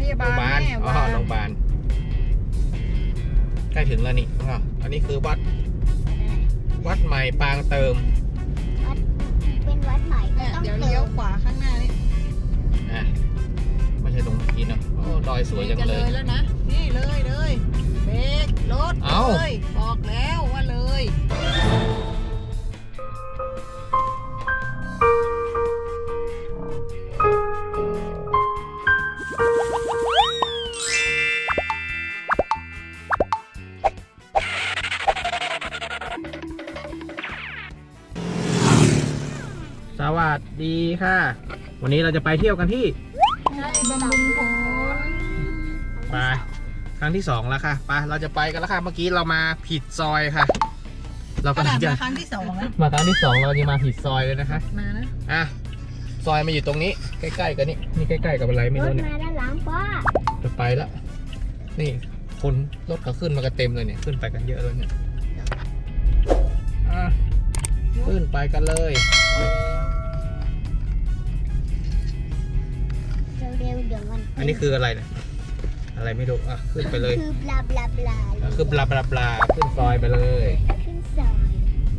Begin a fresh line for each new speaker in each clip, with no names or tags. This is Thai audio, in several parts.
ยาบาลแม่ว่า
โรงพยาบาลใกล้ถึงแล้วนี่อันนี้คือวัดใหม่ปางเติม
เป็นวัดใหม่ก็ต้อง
เดี๋ยวเลี้ยวขวาข้างหน้านี่
ไม่ใช่ตรงเมื่อกี้นะโอ้ดอยสวยจังเลย
แล้วนะนี่เลยเบรกรถเลยบอกแล้วว่าเลย
สวัสดีค่ะวันนี้เราจะไปเที่ยวกันที่
บำรุงผล
ไปครั้งที่2แล้วค่ะไปเราจะไปกันแล้วค่ะเมื่อกี้เรามาผิดซอยค่ะเราก็จะ
ครั้งที่2แล้ว
มาครั้งที่2เราจะมาผิดซอยเลยนะคะ
มานะ
ซอยมาอยู่ตรงนี้ใกล้ๆกันนี่ใกล้ๆกับอะไรไม่รู้เนี่ย
มาด้านหลังป้า
จะไปแล้วนี่คนรถเขาขึ้นมากันเต็มเลยเนี่ยขึ้นไปกันเยอะเลยเนี่ยขึ้นไปกันเลย
เร็วเดี๋ยวมัน
อันนี้คืออะไรเนี่ยอะไรไม่รู้ขึ้นไปเลย
คือบลาบลาบลา
คือบลาบลาบลาขึ้นซอยไปเลย
ขึ้นซอย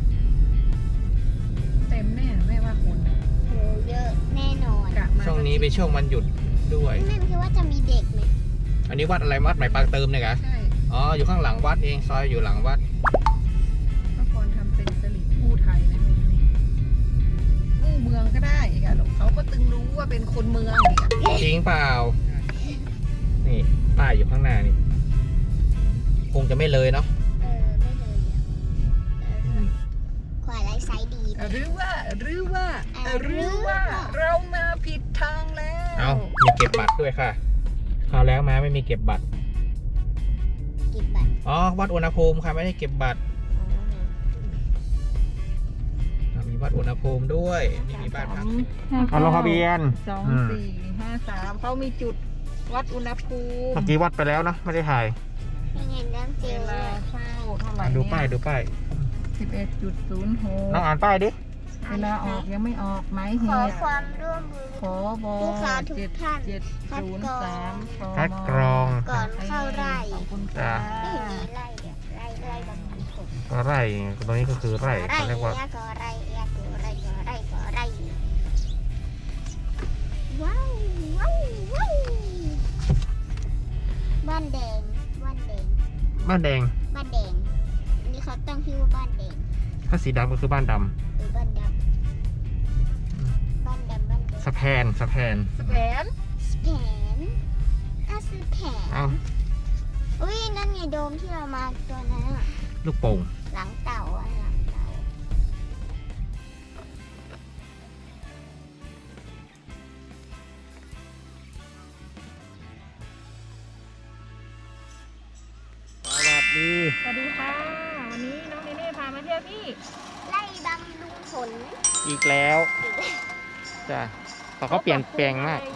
เต็มแน่แม่ว่าคน
โหเยอะแน่นอน
ช่วงนี้เป็นช่วงวันหยุดด้วย
แม่คิดว่าจะมีเด็กไหม
อันนี้วัดอะไรวัดใหม่ปางเติมเนี่ยคะ
ใช่
อยู่ข้างหลังวัดเองซอยอยู่หลังวัด
เมื่อก่อนทำเป็นสลิปกู้ไทยนะกู้เมืองก็ได้ค่ะเขาก็ตึงรู้ว่าเป็นคนเมือง
จริงเปล่านี่ป้ายอยู่ข้างหน้านี่คงจะไม่เลยเนาะ
ไม่เลยขวาไลท์ไซด์ดี
หรือว่าเรามาผิดทางแล้ว
มีเก็บบัตรด้วยค่ะคราวแล้วมาไม่มีเก็บบัตรวัดอุณหภูมิค่ะไม่ได้เก็บบัตรมีวัดอุณหภูมิด้วยนี่มีบ้านพักลงทะเบียน
2453เขามีจุดวัดอุณหภูมิ
เมื่อกี้วัดไปแล้วเนาะไม่ได้ถ่าย
เห็นน้ำเจล
เวลาเข้าเท่าไหร่
ดูป้าย
11.06
น้องอ่านป้ายดิ
เวลาออกยังไม่ออกไหม
ขอความร่วมมือ
ขอบอ
ทุกท่าน
คัดกรอง
ก่อนเข้าไร่
ไม่
มีไร่บางคน
ไร่ตรงนี้ก็คือไร่เขาเรียกว่า
ไร่ว้าวบ้านแดง
บ้านแดง
อันนี้เขาตั้งชื่อว่าบ้านแดง
ถ้าสีดำก็คือบ้านดำ
หรือบ้านดำ
สะแพน
สะแพนอุ้ยนั่นไงโดมที่เรามาตัวนั้น
ลูกโป่ง
หลังเต่า
สวัสดีค่ะวันนี้น้องเนเน่พามาเที่ยวที่
ไร่บำรุงผล
อีกแล้วจ้ะเขาเปลี่ยนแปลงมาก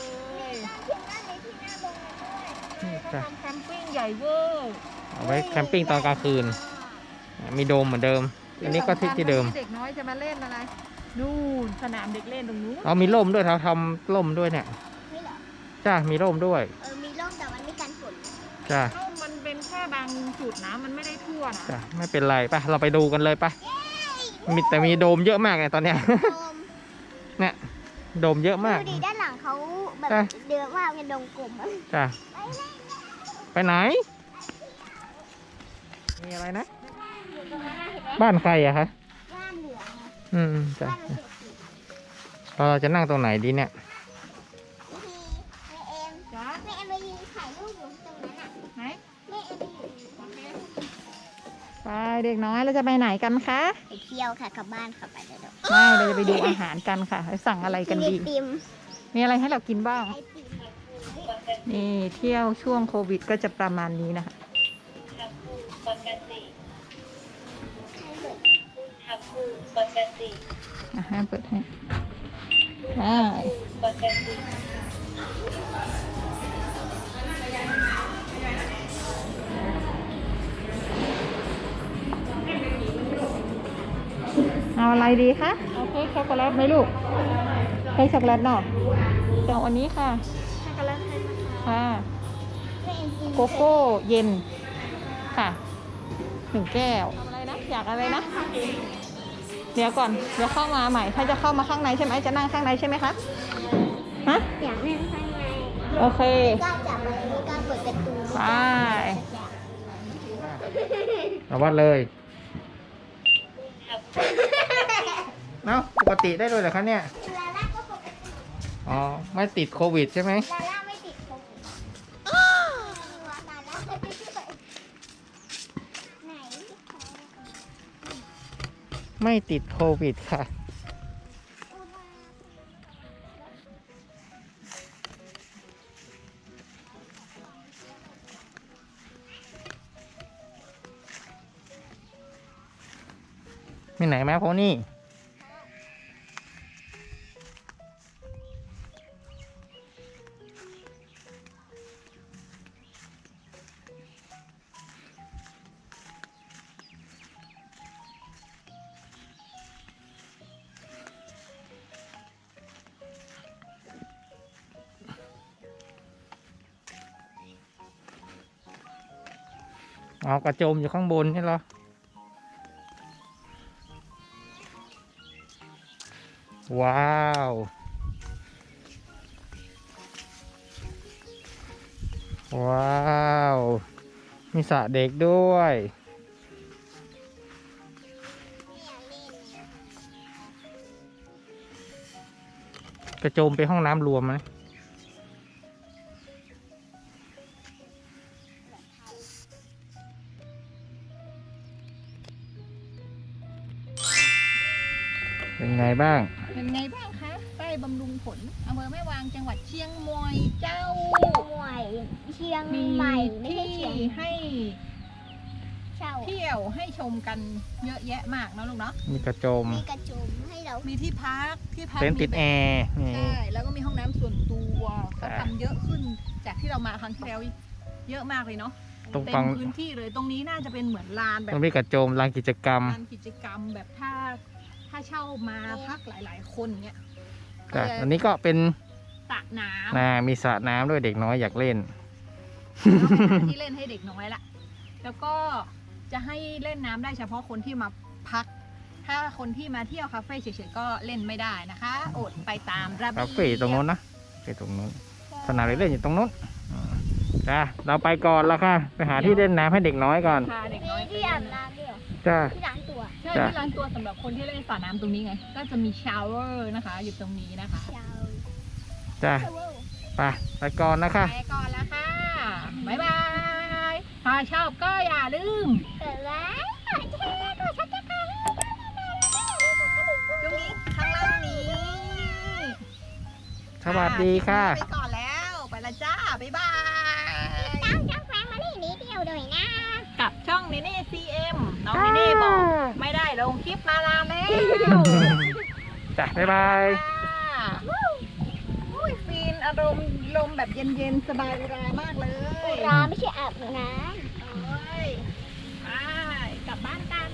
จ้ะแคมปิ้งใหญ่เวอร์
เอาไว้แคมปิ้งตอนกลางคืนมีโดมเหมือนเดิมอันนี้ก็ที่เดิม
เด็กน้อยจะมาเล่นอะไรนู่นสนามเด็กเล่นตรงนู้น
มีร่มด้วยเขาทำร่มด้วยเนี่ยจ้ะมีร่มด้วย
มีร่มแต่มันไม่กันฝน
จ้ะ
มันเป็นแค่บางจุดนะมันไม่ได้ทั่วนะ
จ้ะไม่เป็นไรไปเราไปดูกันเลยไปแต่มีโดมเยอะมากเลยตอนเนี้ยเนี่ยโดมเยอะมาก
ดูดิด้านหลังเขาแบบเดือดมากเป็นดงกลม
จ้ะไปไหนมีอะไรนะบ้านใครอะคะ
บ้านเหลือง
จ้ะเราจะนั่งตรงไหนดีเนี่ย
แม่เอ็มไปยืนถ่ายรูปอยู่ตรงนั้นอ่ะ
ไหน
แม่เอ็ม
ไปเด็กน้อยเราจะไปไหนกันคะ
ไปเที่ยวค่ะกลับบ้านค่ะไปเลย
ไม่เราจะไปดูอาหารกันค่ะไปสั่งอะไรกันดีมีอะไรให้เรากินบ้างนี่เที่ยวช่วงโควิดก็จะประมาณนี้นะคะให้เปิดให้เอาอะไรดีคะเอาเค้กช็อกโกแลตไหมลูกเค้กช็อกโกแลตเนาะเอาอันนี้ค่ะ
ช็อกโกแลตให้นะคะ
ค่ะ
แม่แอนกิน
โกโก้เย็นค่ะ1 แก้วอะไรนะอยากอะไรนะ เดี๋ยวก่อนเดี๋ยวเข้ามาใหม่ ถ้าจะเข้ามาข้างในใช่ไหมจะนั่งข้างในใช่ไหมคะฮะ
อยากนั่งข้างใน
โอเค
ไม่กล้าจับอะไรไม่กล้าเปิดประตู
ไป
เอาวัดเลยเนาะปกติได้ด้วยเหรอคะเนี่ย
ลาล่าก็ปกติ
อ๋อ ไม่ติดโควิดใช่ไหม
ลาล่าไม่ติดโควิดลาล่าไม่ติดไหน
ไม่ติดโควิดค่ะ มีไหนไหมพวกนี้อ๋อกระโจมอยู่ข้างบนใช่เหรอ ว้าว ว้าว มีสระเด็กด้วย กระโจมไปห้องน้ำรวมไหมเป็นไงบ้าง
เป็นไงบ้างคะใต้บำรุงผลอำเภอแม่วางจังหวัดเชียงใหม่เจ้า
ใหม่เชียง
มี
ใหม่ไม่
ที่
ใช่เชียง
ให้
เช่า
เที่ยวให้ชมกันเยอะแยะมากนะลูกเนาะ
มีกระโจม
มีกระจุมให้เรา
มีที่พัก
เต็นท์ติดแอร์นี่
ใช่แล้วก็มีห้องน้ำส่วนตัวก็
ใช่
ทำเยอะขึ้นจากที่เรามาครั้งที่แล้วเยอะมากเลยเนาะ
ตรง
เต็
ฝั่
ม
ง
พื้นที่เลยตรงนี้น่าจะเป็นเหมือนลานแบ
ต
บ
รงนี้กระโจมลานกิจกรรม
ลานกิจกรรมแบบถ้าเช่ามาพักหลาย ๆ คนเนี้ย
แต่อันนี้ก็เป็น
สระน้ำ
มีสระน้ำด้วยเด็กน้อยอยากเล่น
ที่เล่นให้เด็กน้อยละแล้วก็จะให้เล่นน้ำได้เฉพาะคนที่มาพัก ถ้าคนที่มาเที่ยวคาเฟ่เฉยๆก็เล่นไม่ได้นะคะอดไปตามระเบียบ
คาเฟ่ตรงนู้นนะคาเฟ่ตรงนู้นสนามเด็กเล่นอยู่ตรงนู้นจ้าเราไปก่อนแล้วค่ะ ไปหาที่เล่นน้ำให้เด็กน้อยก่อน
พาเด็ก
มี
น้อยไป
ที่
เล่
อาบ
น
น้ำด้วยเหรอ
จ้า
ที่ล้างตัว
ใช่ที่ร้านตัวสำหรับคนที่เล่นสระน้ำตรงนี้ไง ก็จะมีชาวเวอร์นะคะ อยู่ตรงนี้นะคะ
เช้า
จ้า
เช้าเว้ย
ไปก่อนนะคะ
ไปก่อนแล้วค่ะ บ๊ายบาย ถ้าชอบก็อย่าลืม
เกิดแล้วแชร์กดซับสไครต์ให้ด้วย
ตรงนี้ข้างล่างนี้
สวัสดีค่ะ
ไปก่อนแล้ว ไปละจ้า บ๊ายบาย
ตามช่องแฟมิลี่นิดเดียวด้วยนะ
กับช่องเนเน่ CM น้องเนเน่บอก ไม่ได้ลงคลิปมานานแล้ว
จ้าบ๊ายบาย
อุ้ยฟินอารมณ์ลมแบบเย็นๆ สบายเวลามากเลย
ร้านไม่ใช่อาบน้ำ
โอ้ยไปกลับบ้านกัน